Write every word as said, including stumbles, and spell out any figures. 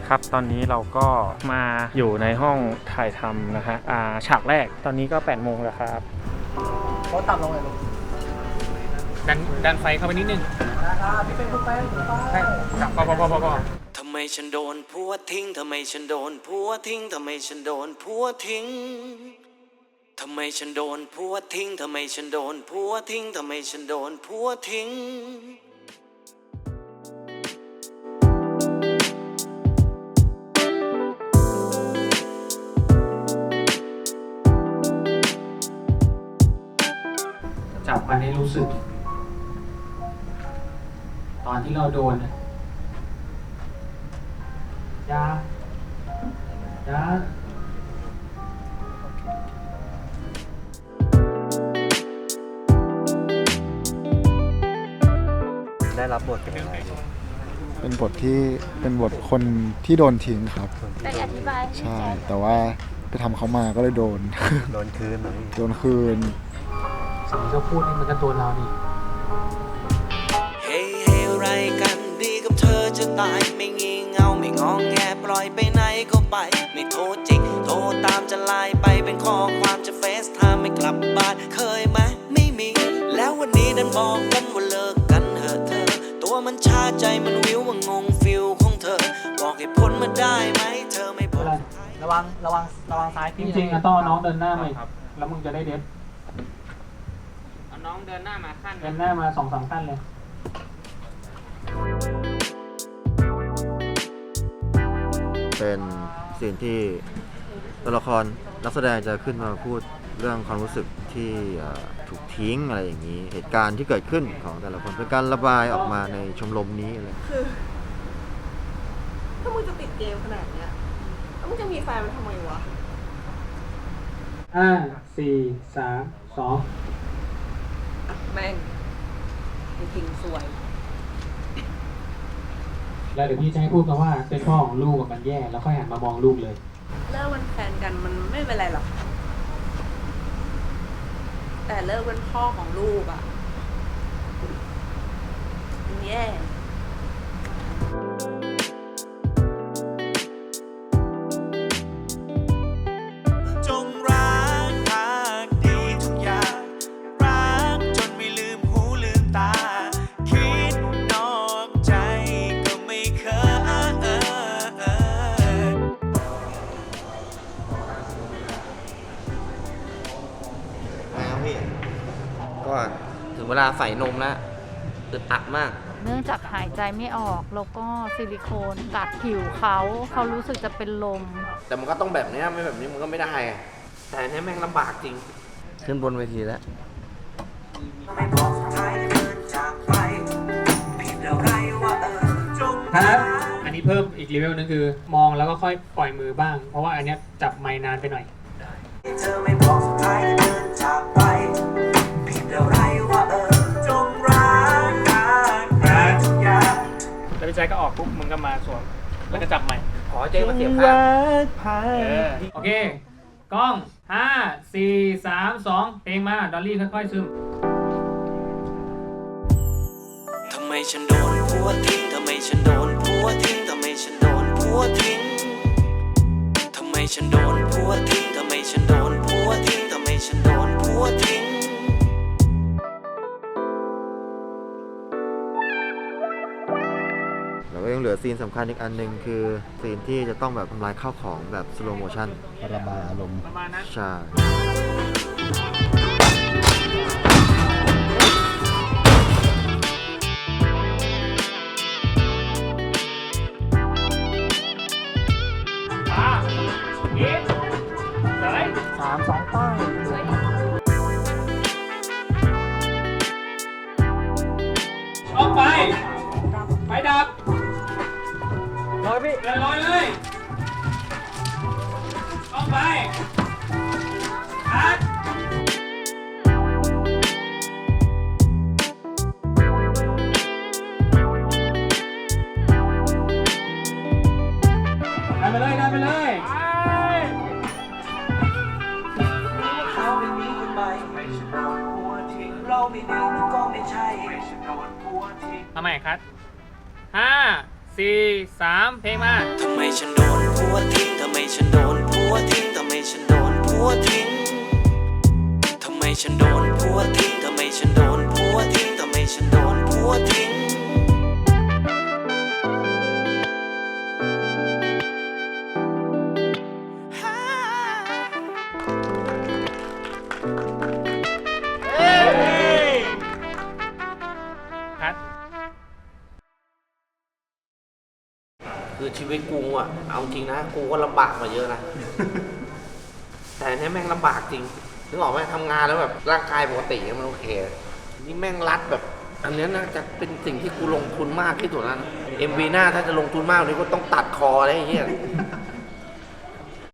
ครับตอนนี้เราก็มาอยู่ในห้องถ่ายทำนะฮะอ่าฉากแรกตอนนี้ก็แปดโมงแล้วครับรถต่ำลงเลยลูกดันดันไฟเข้าไปนิดนึงนะครับพี่เป็นผู้ไปใช่จับพอพอพอพอพอทำไมฉันโดนผัวทิ้งทำไมฉันโดนผัวทิ้งทำไมฉันโดนผัวทิ้งทำไมฉันโดนผัวทิ้งทำไมฉันโดนผัวทิ้งทำไมฉันโดนผัวทิ้งจับมันให้รู้สึกตอนที่เราโดนยายาได้รับบทเป็นอะไรเป็นบทที่เป็นบทคนที่โดนทิ้งครับได้อธิบายใช่แต่ว่าไปทำเขามาก็เลยโดนโดนคืนเหรอพี่โดนคืนสิ่งที่เขาพูดนี่มันก็ตัวเรานี่เฮ้เฮ้ไรกันดีกับเธอจะตายไม่งี่เงาไม่งองแงปล่อยไปไหนก็ไปไม่โทรจิกโทรตามจะไลน์ไปเป็นข้อความจะเฟซไทม์ไม่กลับบ้านเคยไหมไม่มีแล้ววันนี้ดันบอกกันว่าเลิกกันเถอะเธอตัวมันชาใจมันวิวว่างงฟิลของเธอบอกให้พ้นมาได้ไหมเธอไม่พ้นระวังระวังระวังซ้ายจริงๆอะต้องน้องเดินหน้ามาแล้วมึงจะได้เด็บเอาน้องเดินหน้ามาขั้นเดินหน้ามาสองสามขั้นเลยเป็นสิ่งที่ตัวละครนักแสดงจะขึ้นมาพูดเรื่องความรู้สึกที่ถูกทิ้งอะไรอย่างนี้เหตุการณ์ที่เกิดขึ้นของแต่ละคนเป็นการระบายออกมาในชมรมนี้อะไรคือถ้ามึงจะติดเกมขนาดเนี้ยแล้วมึงจะมีแฟนมันทำไมวะห้าสี่สามสองแม่งจริงๆสวยแล้วเดี๋ยวพี่จะให้พูดกันว่าเป็นพ่อของลูกกับมันแย่แล้วค่อยหันมามองลูกเลยเลิกเป็นแฟนกันมันไม่เป็นไรหรอกแต่เลิกเป็นพ่อของลูกอ่ะมันแย่จงรักภักดีทุกอย่างรักจนไม่ลืมหูลืมตาคิดนอกใจก็ไม่เคยแล้วพี่ก็ถึงเวลาใส่นมแล้วอึดอัดมากเนื่องจากหายใจไม่ออกแล้วก็ซิลิโคนกัดผิวเขาเขารู้สึกจะเป็นลมแต่มันก็ต้องแบบนี้ไม่แบบนี้มันก็ไม่ได้แต่นี่แม่งลำบากจริงขึ้นบนเวทีแล้วครับอันนี้เพิ่มอีกเลเวลนึงคือมองแล้วก็ค่อยปล่อยมือบ้างเพราะว่าอันนี้จับไมค์นานไปหน่อยเธอไม่บอกสุดท้ายเดินจากไปผิดอะไรว่าเออจงรักกันทุกอย่างแล้วพี่แจ๊ก็ออกปุ๊บมึงก็มาสวมแล้วก็จับใหม่ขอเจ๊มาเสียบข้างโอเคกล้องห้าสี่สามสองเพลงมาดอลลี่ค่อยๆซึมทำไมฉันโดนผัวทิ้งทำไมฉันโดนผัวทิ้งทำไมฉันโดนผัวทิ้งทำไมฉันโดนผัวทิ้งทำไมฉันโดนผัวทิ้งทำไมฉันโดนผัวทิ้งแล้วก็ยังเหลือซีนสำคัญอีกอันหนึ่งคือซีนที่จะต้องแบบทำลายข้าวของแบบสโลโมชั่นระบายอารมณ์ประมาณนั้นใช่สามสองป้ายออกไปไปดับลอยพี่เดินลอยเลยออกไปคัดดันไปเลยดันไปเลยทำไมครับห้าสี่สามเพลงมาทำไมฉันโดนผัวทิ้ง ทำไมฉันโดนผัวทิ้ง ทำไมฉันโดนผัวทิ้ง ทำไมฉันโดนผัวทิ้ง ทำไมฉันโดนผัวทิ้ง ทำไมฉันโดนผัวทิ้งคัดคือชีวิตกูอ่ะ เอาจริงนะ กูก็ลำบากมาเยอะนะ แต่อันเนี้ยแม่งลำบากจริง นึกออกไหมทำงานแล้วแบบร่างกายปกติเนี่ยมันโอเค นี่แม่งรัดแบบ อันเนี้ยน่าจะเป็นสิ่งที่กูลงทุนมากที่สุดแล้วนะ เอ็ม วี หน้าถ้าจะลงทุนมากกว่านี้ก็ต้องตัดคออะไรอย่างเงี้ย